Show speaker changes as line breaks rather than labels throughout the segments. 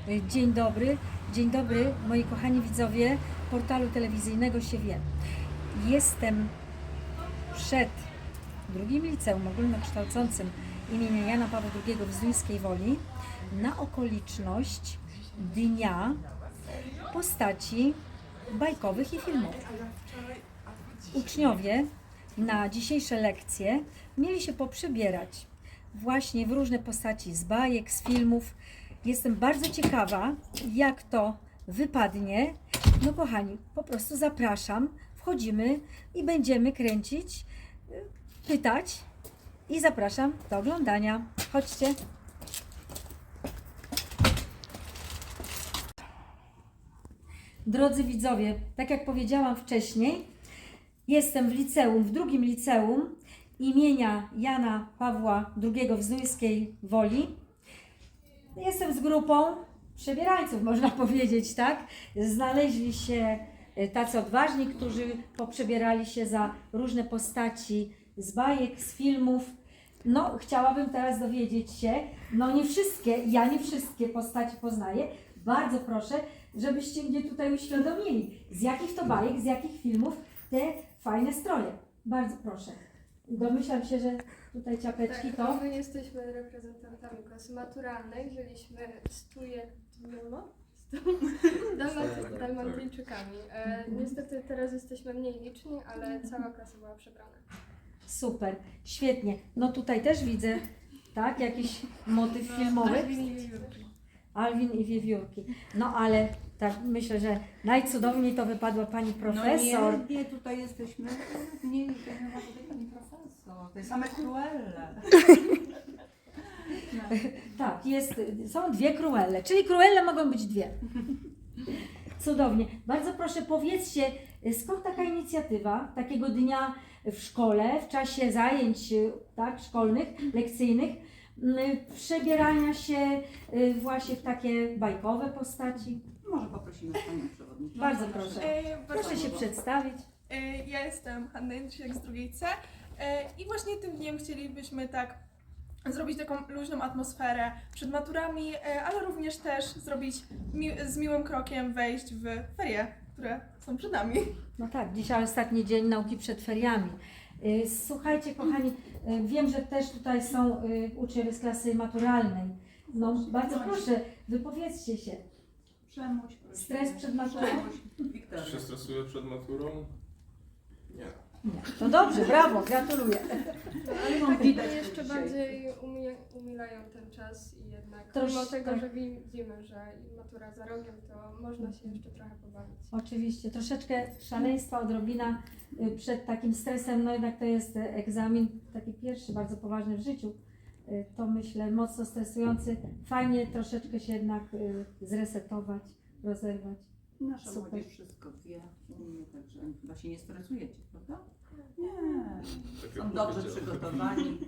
Dzień dobry moi kochani widzowie portalu telewizyjnego się wie. Jestem przed drugim liceum ogólnokształcącym imienia Jana Pawła II w Zduńskiej Woli na okoliczność Dnia Postaci Bajkowych i Filmowych. Uczniowie na dzisiejsze lekcje mieli się poprzebierać właśnie w różne postaci z bajek, z filmów. Jestem bardzo ciekawa, jak to wypadnie. No kochani, po prostu zapraszam, wchodzimy i będziemy kręcić, pytać i zapraszam do oglądania. Chodźcie. Drodzy widzowie, tak jak powiedziałam wcześniej, jestem w liceum, w drugim liceum imienia Jana Pawła II w Zduńskiej Woli. Jestem z grupą przebierańców, można powiedzieć, tak? Znaleźli się tacy odważni, którzy poprzebierali się za różne postaci z bajek, z filmów. No, chciałabym teraz dowiedzieć się, no ja nie wszystkie postaci poznaję. Bardzo proszę, żebyście mnie tutaj uświadomili, z jakich to bajek, z jakich filmów te fajne stroje. Bardzo proszę. Domyślam się, że tutaj ciapeczki to...
My jesteśmy reprezentantami klasy maturalnej, byliśmy dalmatyńczykami. Niestety teraz jesteśmy mniej liczni, ale cała klasa była przebrana.
Super, świetnie. No tutaj też widzę, tak, jakiś motyw filmowy. Alwin i Wiewiórki. No ale tak myślę, że najcudowniej to wypadła pani profesor.
No nie, tutaj jesteśmy. Nie ma tutaj pani profesor. To jest same Cruelle. No.
Tak, są dwie Cruelle, czyli Cruelle mogą być dwie. Cudownie. Bardzo proszę, powiedzcie, skąd taka inicjatywa takiego dnia w szkole, w czasie zajęć tak, szkolnych, lekcyjnych, przebierania się właśnie w takie bajkowe postaci?
Może poprosimy panią przewodniczącą.
Bardzo proszę. Proszę się przedstawić.
Ja jestem Hanna Jędrzejczyk z drugiej C i właśnie tym dniem chcielibyśmy tak zrobić taką luźną atmosferę przed maturami, ale również też zrobić z miłym krokiem wejść w ferie, które są przed nami.
No tak, dzisiaj ostatni dzień nauki przed feriami. Słuchajcie kochani, wiem, że też tutaj są uczniowie z klasy maturalnej. No bardzo proszę, wypowiedzcie się.
Przemuś, prosimy.
Stres przed maturą?
Wiktoria.
Czy się stresuję przed maturą? Nie.
Nie. To dobrze, brawo, gratuluję.
Ale tak
widać
jeszcze
dzisiaj.
bardziej umilają ten czas i jednak mimo
Troszkę.
tego, że widzimy, że matura za rogiem, to można się jeszcze trochę pobawić.
Oczywiście, troszeczkę szaleństwa, odrobina przed takim stresem, no jednak to jest egzamin taki pierwszy, bardzo poważny w życiu. To myślę mocno stresujący. Fajnie troszeczkę się jednak zresetować, rozerwać.
Nasza
Super.
młodzież wszystko wie, umie, także chyba się nie stresujecie, prawda? Nie.
Tak
Są
jak
dobrze
powiedziałem.
przygotowani.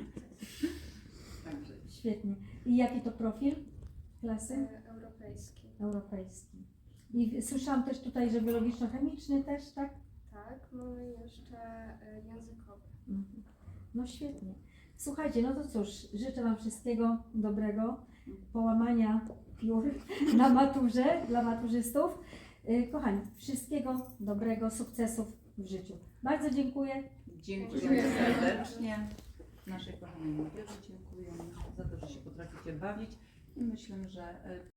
Także
Świetnie. I jaki to profil klasy?
Europejski.
Europejski. I słyszałam też tutaj, że biologiczno-chemiczny też, tak?
Tak, mamy jeszcze językowy.
Mhm. No świetnie. Słuchajcie, no to cóż, życzę Wam wszystkiego dobrego, połamania piór na maturze dla maturzystów. Kochani, wszystkiego dobrego, sukcesów w życiu. Bardzo dziękuję.
dziękujemy serdecznie. Naszej kochanej młodzieży dziękujemy za to, że się potraficie bawić i myślę, że